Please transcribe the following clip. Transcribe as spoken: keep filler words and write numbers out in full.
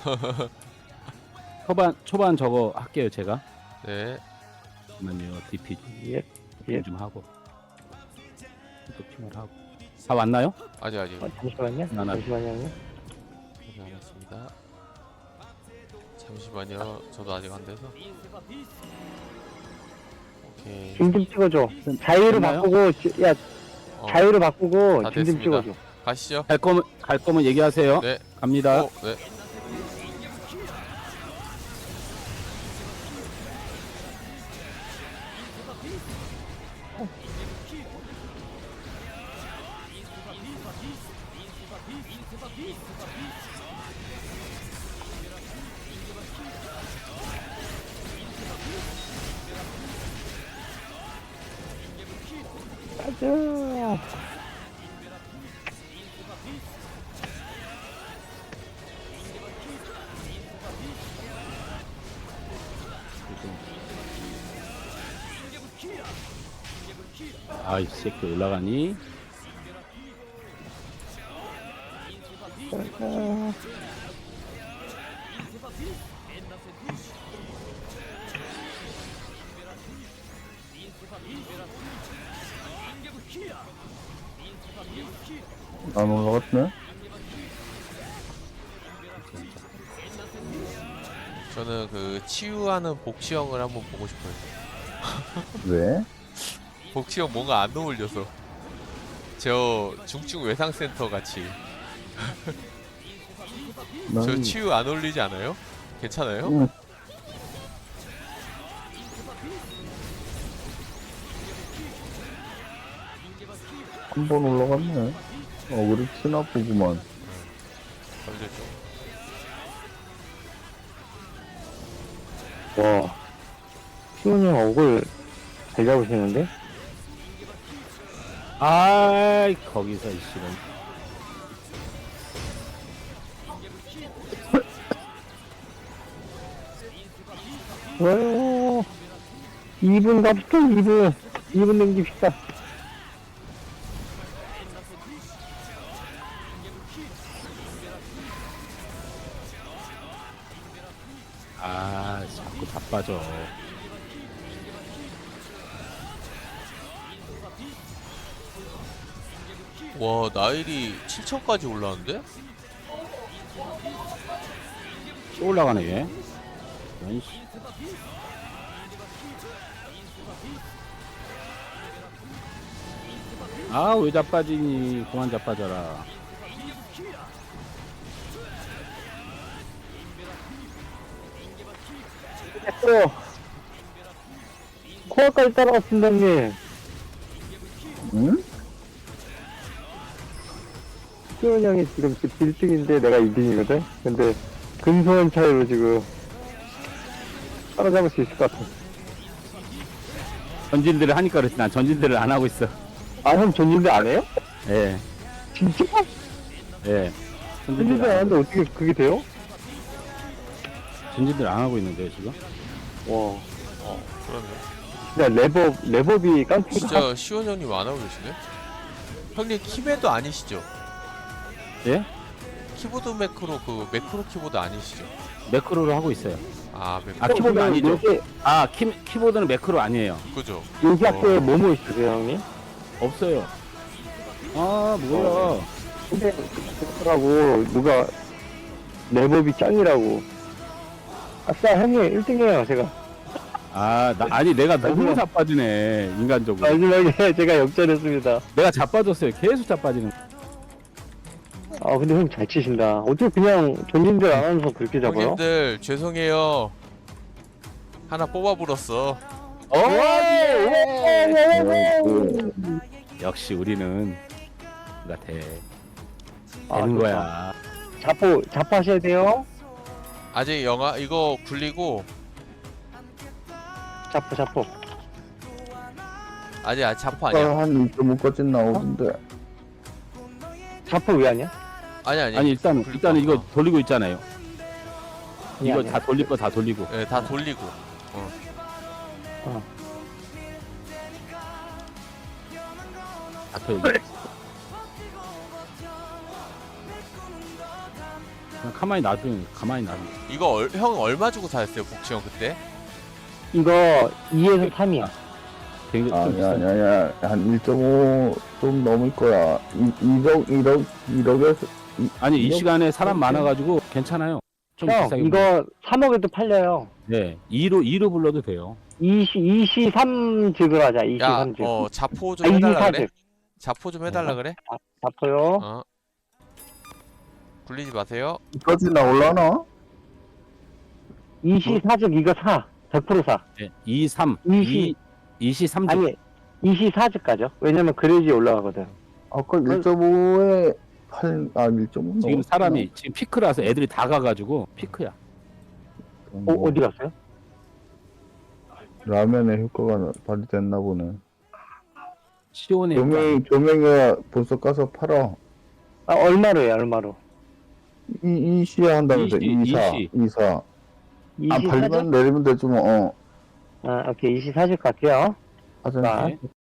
초반 초반 저거 할게요 제가. 네. 잠깐만요. 디피 예. 예. 좀 하고 또 핑을 하고. 다 왔나요? 아직 아직 어, 잠시만요. 하나. 잠시만요. 아직 안 왔습니다. 잠시만요. 저도 아직 안 돼서. 오케이. 줌 좀 찍어줘. 자유로 됐나요? 바꾸고, 지- 야, 어, 자유로 바꾸고 다 줌 좀 됐습니다. 찍어줘. 가시죠. 갈 거면 갈 거면 얘기하세요. 네. 갑니다. 어, 네. 가자. 아이 새끼 올라가니? 가자. 안 올라갔네? 저는 그 치유하는 복시형을 한번 보고 싶어요. 왜? 복시형 뭔가 안 어울려서. 저 중증 외상센터 같이. 난 저 치유 안 어울리지 않아요? 괜찮아요? 응. 한 번 올라갔네. 어, 그래, 치나 보구만. 걸렸죠. 와. 시원이 형 얼굴 잘 잡으시는데? 아이 거기서 이 씨는 와요. 이 분 갑시다, 이 분. 이 분 넘깁시다. 아 자꾸 바빠져. 와, 나일이 칠천까지 올라왔는데? 또 올라가네 얘. 이런 씨. 아왜 자빠지니? 그만 자빠져라. 됐어. 코어까지 따라왔습니다, 형님. 응? 시원 형이 지금 일 등인데 내가 이 등이거든? 근데 근소한 차이로 지금 따라잡을 수 있을 것 같아. 전진들을 하니까 그렇지 난 전진들을 안 하고 있어. 아, 형 전진대 안 해요? 예, 진짜? 예. 전진대 전진들 안 안, 하는데 어떻게 그게 돼요? 전진들 안 하고 있는데요 지금? 와. 어, 그러네. 진짜 레버, 레버비 깡패가. 진짜 시원 형님 안 하고 계시네? 형님 키매도 아니시죠? 예? 키보드 매크로 그 매크로 키보드 아니시죠? 매크로를 하고 있어요. 아, 매크로. 아 키보드 아니죠? 요새, 아 키, 키보드는 매크로 아니에요. 그죠? 요새 어. 학교에 뭐뭐 있으세요, 형님? 없어요. 아 뭐야? 근데, 그렇더라고. 누가, 레버비 짱이라고. 아싸, 형님 일 등이에요, 제가. 아, 나, 아니 내가 너무 마지막- 자빠지네 인간적으로. 마지막에 제가 역전했습니다. 내가 자빠졌어요. 계속 자빠지는. 아, 근데 형 잘 치신다. 어떻게 그냥 전진대 안 하면서 그렇게 잡아요? 형님들 죄송해요. 하나 뽑아 불었어. 어! 그, 역시 우리는 우리가 돼. 아, 되는 좋다. 거야. 자포, 자포 하셔야 돼요. 아직 영화 이거 굴리고 자포, 자포. 아직 아직 자포 아니야. 한 이 점 오까지 나오던데. 자포 왜 하냐? 아니 아니. 아니 일단 굴릴 일단은 거. 이거 돌리고 있잖아요. 아니, 이거 아니야. 다 돌릴 거 다 돌리고. 예, 다 돌리고. 어. 어. 다 펴. 그냥 가만히 놔둬요. 가만히 놔둬. 이거 얼, 형 얼마 주고 사셨어요 복지형 그때? 이거 이에서 삼이야. 되게 좀 아니, 비싸. 아니, 아니, 한 일 점 오 좀 넘을 거야. 이, 일억, 일억, 일억에서, 아니 이 이거- 시간에 사람 많아가지고 괜찮아요. 좀 형, 비싸게. 이거 삼억에도 팔려요. 네, 이로 이로 불러도 돼요. 이시, 이시삼즉으로 하자, 야, 이시삼즉. 어 자포 아, 좀 해달라 그래. 이시사즉. 자포 좀 해달라 그래. 잡혀요. 어. 굴리지 마세요. 이까지 나올라나? 이시사즉 이거 사. 백 퍼센트 사. 네, 이삼, 이시. 이 이시삼 주. 아니, 이시사즉 가죠. 왜냐면 그래야지 올라가거든. 아까 일 점 오에 팔, 아, 일 점 오 지금 사람이 지금 피크라서 애들이 다 가가지고 피크야. 어, 어디 갔어요? 라면의 효과가 발휘됐나 보네. 시온에 조명, 조명이가 벌써 가서 팔아. 아, 얼마로 해요, 얼마로? 이, 이시야 한다면서, 이시, 이사, 이시. 이사. 아, 이시사즉? 팔면 내리면 되지 뭐, 어. 아, 오케이. 이시사즉 갈게요. 하자. 자, 네.